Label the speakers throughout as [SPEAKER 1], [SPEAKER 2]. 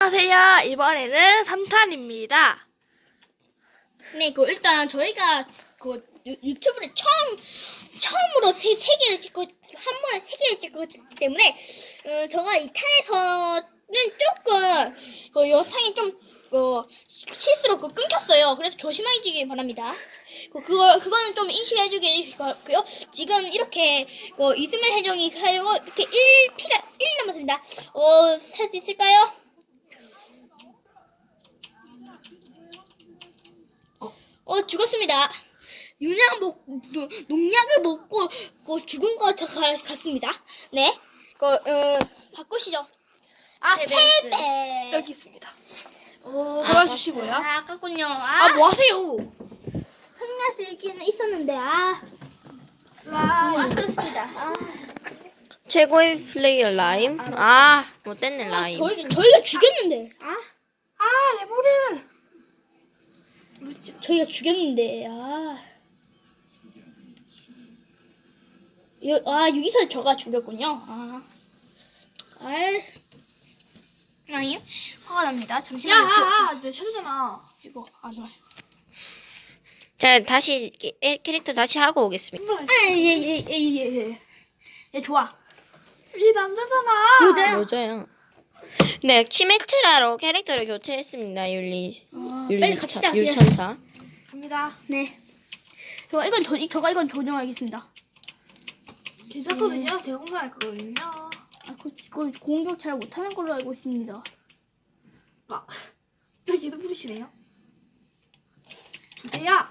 [SPEAKER 1] 안녕하세요. 이번에는 3탄입니다.
[SPEAKER 2] 네, 일단 저희가 유튜브를 처음으로 세 개를 찍고 한 번에 세 개를 찍고 때문에 제가 이 탄에서는 조금 영상이 좀 실수로 끊겼어요. 그래서 조심하시기 바랍니다. 그거는 좀 인식해주기 바라고요. 지금 이렇게 이스만 해정이 살고 이렇게 피가 1 남았습니다. 살 수 있을까요? 죽었습니다. 농약을 먹고 죽은 것 같습니다. 네. 바꾸시죠. 패배.
[SPEAKER 1] 여기 있습니다. 도와주시고요.
[SPEAKER 2] 아깝군요.
[SPEAKER 1] 뭐 하세요?
[SPEAKER 2] 흥나스 얘기는 있었는데 아깝습니다.
[SPEAKER 3] 최고의 플레이어 라임. 못됐네 라임.
[SPEAKER 2] 저희가 죽였는데.
[SPEAKER 1] 레모르.
[SPEAKER 2] 저희가 죽였는데. 여기서 저가 죽였군요. 아니요. 화가 납니다. 잠시만요.
[SPEAKER 1] 내 차례잖아. 이거 좋아.
[SPEAKER 3] 자 다시 캐릭터 다시 하고 오겠습니다.
[SPEAKER 2] 예, 좋아.
[SPEAKER 1] 이 남자잖아.
[SPEAKER 2] 여자요?
[SPEAKER 3] 여자요. 네 치메트라로 캐릭터를 교체했습니다.
[SPEAKER 2] 빨리 갑시다.
[SPEAKER 3] 율천사.
[SPEAKER 1] 갑니다.
[SPEAKER 2] 네. 저가 이건 조정하겠습니다.
[SPEAKER 1] 괜찮거든요. 제가 공부할 거거든요.
[SPEAKER 2] 그거 공격 잘 못하는 걸로 알고 있습니다.
[SPEAKER 1] 저 계속 부르시네요. 주세요.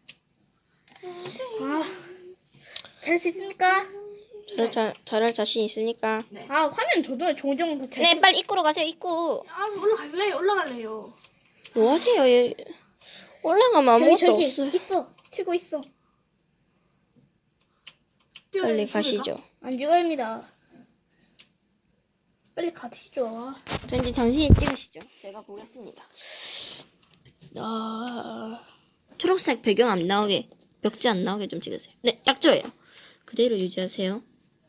[SPEAKER 2] 잘할 수 있습니까?
[SPEAKER 3] 잘할 자신 있습니까?
[SPEAKER 2] 화면 조정 잘.
[SPEAKER 3] 네 빨리 입구로 가세요. 입구.
[SPEAKER 1] 올라갈래요.
[SPEAKER 3] 뭐 하세요? 올라가면 아무것도
[SPEAKER 2] 저기
[SPEAKER 3] 없어요.
[SPEAKER 2] 있어. 튀고 있어.
[SPEAKER 3] 빨리 가시죠.
[SPEAKER 2] 안 죽어입니다. 빨리 가시죠.
[SPEAKER 3] 저 이제 당신이 찍으시죠. 제가 보겠습니다. 초록색 배경 안 나오게, 벽지 안 나오게 좀 찍으세요. 네, 딱 좋아요. 그대로 유지하세요.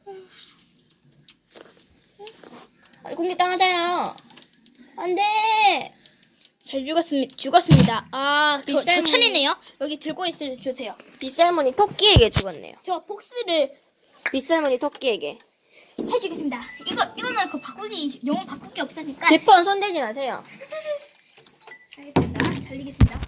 [SPEAKER 3] 공격당하다요. 안 돼.
[SPEAKER 2] 잘 죽었습니다. 저
[SPEAKER 3] 비싼
[SPEAKER 2] 차례네요. 여기 들고 주세요.
[SPEAKER 3] 빗살무늬 토끼에게 죽었네요.
[SPEAKER 2] 저 복수를
[SPEAKER 3] 빗살무늬 토끼에게.
[SPEAKER 2] 해주겠습니다. 이거는 영혼 바꾸기 없으니까.
[SPEAKER 3] 제 폰 손대지 마세요.
[SPEAKER 2] 알겠습니다. 달리겠습니다.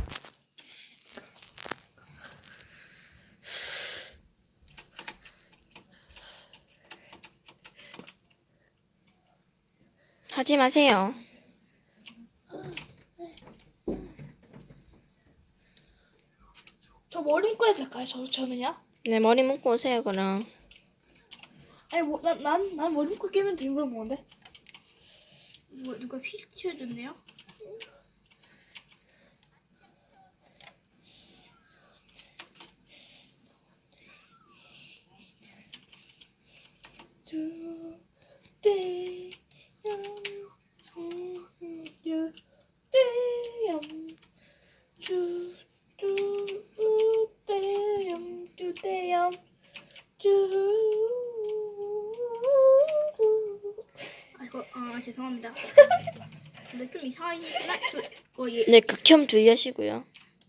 [SPEAKER 3] 하지 마세요.
[SPEAKER 1] 저 머리 묶어야 될까요? 저는요?
[SPEAKER 3] 네, 머리 묶고 오세요, 그럼.
[SPEAKER 1] 아니 난 머리 묶고 깨면 되는 걸 뭔데?
[SPEAKER 2] 누가 휠 치워줬네요? 죄송합니다. 근데 좀 이상하긴
[SPEAKER 3] 네, 극혐 주의하시고요.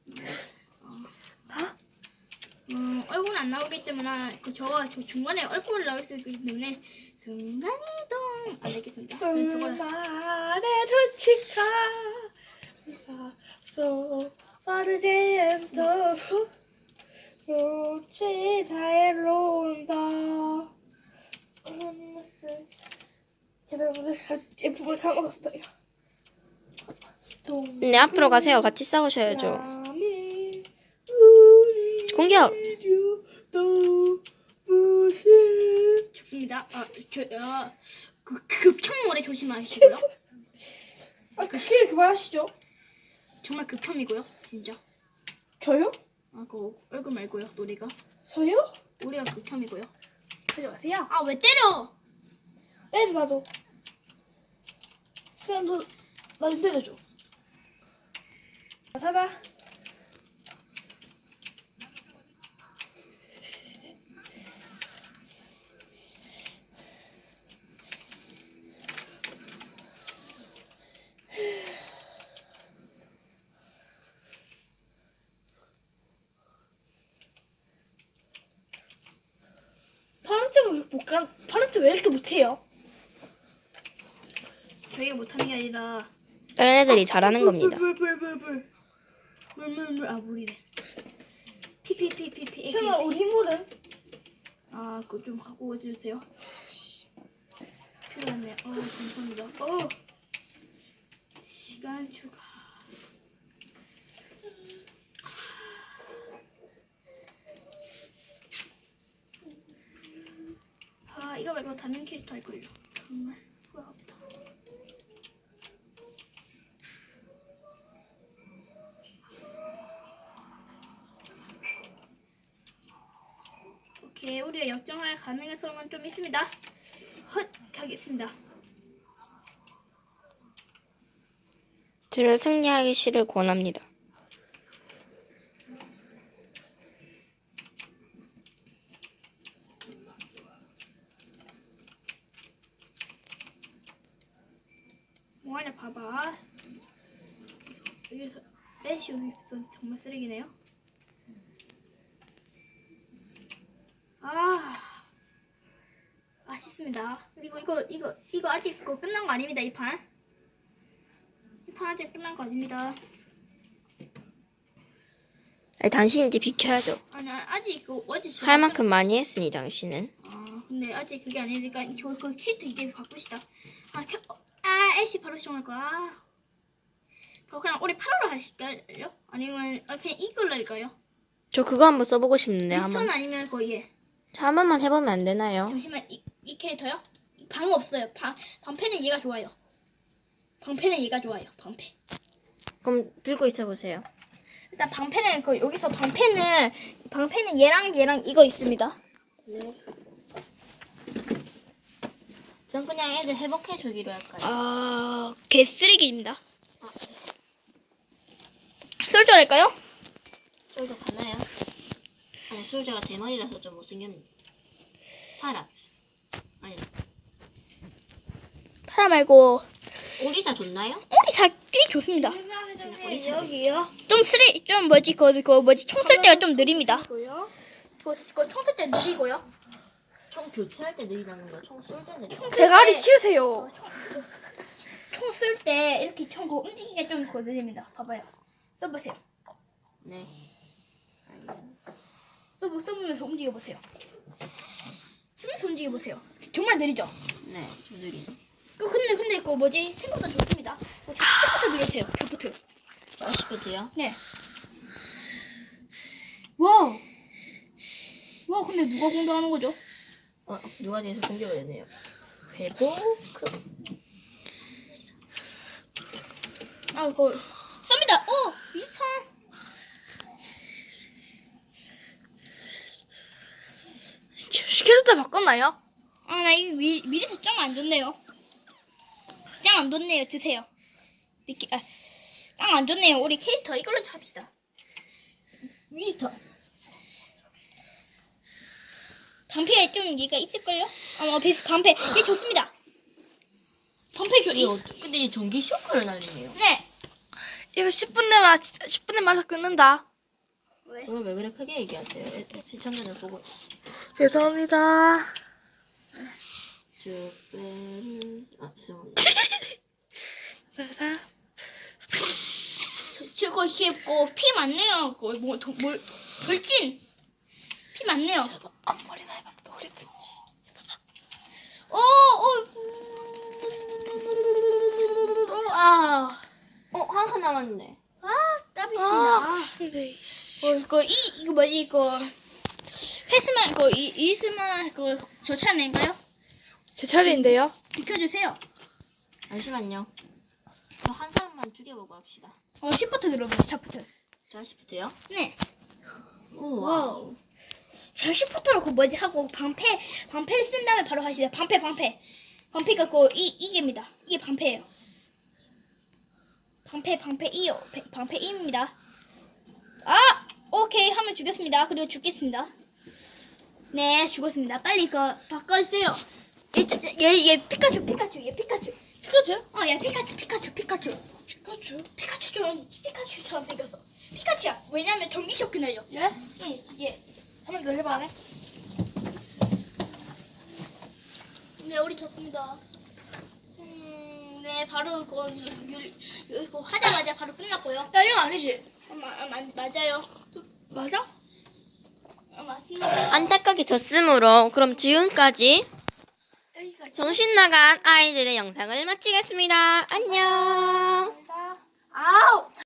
[SPEAKER 2] 얼굴은 안 나오기 때문에 저 중간에 얼굴 나올 수 있기 때문에 순간이동 안 되겠습니다.
[SPEAKER 1] 말에 루치카 so 빠르게엔도 루치 다엘로 온다. 여러분들 F를 까먹었어요.
[SPEAKER 3] 네, 앞으로 가세요. 같이 싸우셔야죠. 공격!
[SPEAKER 2] 죽습니다. 극혐물에 조심하시고요.
[SPEAKER 1] 킬 그만하시죠.
[SPEAKER 2] 정말 극혐이고요, 진짜.
[SPEAKER 1] 저요?
[SPEAKER 2] 얼굴 말고요, 노리가.
[SPEAKER 1] 저요?
[SPEAKER 2] 우리가 극혐이고요.
[SPEAKER 1] 하지 마세요.
[SPEAKER 2] 왜 때려?
[SPEAKER 1] 때려 나도. 수연 너좀 때려줘. 사다. 파란색 왜 이렇게 못해요?
[SPEAKER 2] 저희가 못하는 게 아니라
[SPEAKER 3] 다른 애들이 잘하는 겁니다.
[SPEAKER 2] 물. 아, 물이래. 피피피피피.
[SPEAKER 1] 설마 우리 물은?
[SPEAKER 2] 아, 그거 좀 갖고 와주세요. 필요하네. 감사합니다. 시간 추가. 아, 이거 말고 다른 캐릭터 할 걸요. 정말 후회합니다. 오케이, 우리가 역정할 가능성은 좀 있습니다. 가겠습니다.
[SPEAKER 3] 저를 승리하기를 권합니다.
[SPEAKER 2] 뭐하냐 봐봐. 여기서 애쉬 여기서 정말 쓰레기네요. 맛있습니다. 그리고 이거 아직 끝난 거 아닙니다. 이 판 아직 끝난 거 아닙니다.
[SPEAKER 3] 아니, 당신이 이제 비켜야죠.
[SPEAKER 2] 아니 아직 어제
[SPEAKER 3] 할 만큼 많이 했으니 당신은.
[SPEAKER 2] 근데 아직 그게 아니니까 그 캐릭터 이제 바꾸시다. 애쉬 바로 시작할 거야. 그냥 우리 8월로 하실까요? 아니면 그냥 이걸로 할까요?
[SPEAKER 3] 저 그거 한번 써보고 싶는데
[SPEAKER 2] 미스턴
[SPEAKER 3] 한번.
[SPEAKER 2] 아니면 얘.
[SPEAKER 3] 자, 한 번만 해보면 안 되나요?
[SPEAKER 2] 잠시만 이 캐릭터요? 방 없어요. 방패는 얘가 좋아요. 방패는
[SPEAKER 3] 그럼 들고 있어 보세요.
[SPEAKER 2] 일단 방패는 여기서 방패는 얘랑 이거 있습니다.
[SPEAKER 3] 네. 전 그냥 애들 회복해 주기로 할까요?
[SPEAKER 2] 개쓰레기입니다. 솔저 할까요?
[SPEAKER 3] 솔저 가나요? 아니, 솔저가 대머리라서 좀 못생겼는데. 파라. 아니,
[SPEAKER 2] 파라 말고
[SPEAKER 3] 오리사 좋나요?
[SPEAKER 2] 오리사 꽤 좋습니다.
[SPEAKER 1] 회장님 여기요.
[SPEAKER 2] 총 쓸 때가 좀 느립니다.
[SPEAKER 1] 뭐요?
[SPEAKER 2] 총 쓸 때 느리고요.
[SPEAKER 3] 총 교체할 때 느리다는 거, 총 쏠 때는
[SPEAKER 1] 대가리 치우세요.
[SPEAKER 2] 총 쓸 때 이렇게 총 움직이기가 좀 느립니다. 봐봐요. 써보세요.
[SPEAKER 3] 네. 알겠습니다.
[SPEAKER 2] 써보면서 움직여보세요. 쓰면서 움직여보세요. 정말 느리죠?
[SPEAKER 3] 네, 좀 느리네.
[SPEAKER 2] 근데 그거 생각보다 좋습니다. 시부터 누르세요. 시부터.
[SPEAKER 3] 자, 시프트요?
[SPEAKER 2] 네. 와우, 근데 누가 공격하는 거죠?
[SPEAKER 3] 누가 뒤에서 공격을 했네요. 회복.
[SPEAKER 2] 그거 쏩니다. 미선.
[SPEAKER 1] 캐릭터 바꿨나요?
[SPEAKER 2] 나 이거 미리서 짱 안 좋네요. 짱 안 좋네요. 주세요. 짱 안 좋네요. 우리 캐릭터 이걸로 합시다. 위스터. 방패가 좀 얘가 있을걸요? 베이스 방패. 얘 좋습니다. 방패
[SPEAKER 3] 근데 이 전기 쇼크를 날리네요.
[SPEAKER 2] 네.
[SPEAKER 1] 이거 10분 내마저 끊는다.
[SPEAKER 3] 오늘 왜 그래 크게 얘기하세요? 시청자들 보고.
[SPEAKER 1] 죄송합니다.
[SPEAKER 3] 죄송합니다.
[SPEAKER 2] 저거 피 많네요. 돌진. 피 많네요.
[SPEAKER 1] 앞머리나 해봐. 머리든지.
[SPEAKER 3] 한 칸 남았네.
[SPEAKER 2] 땀이 있습니다.
[SPEAKER 1] 근데
[SPEAKER 2] 이거 뭐지 이거 패스만 이스만 저 차례인가요?
[SPEAKER 1] 제 차례인데요.
[SPEAKER 2] 비켜주세요.
[SPEAKER 3] 잠시만요. 저 한 사람만 죽여보고 합시다.
[SPEAKER 2] 시프트 눌러보세요. 시프트.
[SPEAKER 3] 자, 시프트요?
[SPEAKER 2] 네.
[SPEAKER 3] 우와.
[SPEAKER 2] 자 시프트로 하고 방패를 쓴 다음에 바로 하시죠. 방패가 이게입니다. 이게 방패예요. 방패 2입니다. 오케이 하면 죽였습니다. 그리고 죽겠습니다. 네 죽었습니다. 빨리 바꿔주세요. 얘 피카츄. 얘 피카츄? 야 피카츄처럼 생겼어. 피카츄야. 왜냐면 전기 쇼크 날려.
[SPEAKER 1] 예?
[SPEAKER 2] 예.
[SPEAKER 1] 한 번 더 해봐.
[SPEAKER 2] 네, 우리 졌습니다. 네, 바로 그거 하자마자 바로 끝났고요.
[SPEAKER 1] 야, 이거 아니지?
[SPEAKER 2] 맞아요.
[SPEAKER 1] 맞아?
[SPEAKER 2] 맞습니다.
[SPEAKER 3] 안타깝게 졌으므로 그럼 지금까지
[SPEAKER 1] 여기까지.
[SPEAKER 3] 정신 나간 아이들의 영상을 마치겠습니다. 안녕.
[SPEAKER 1] 아우!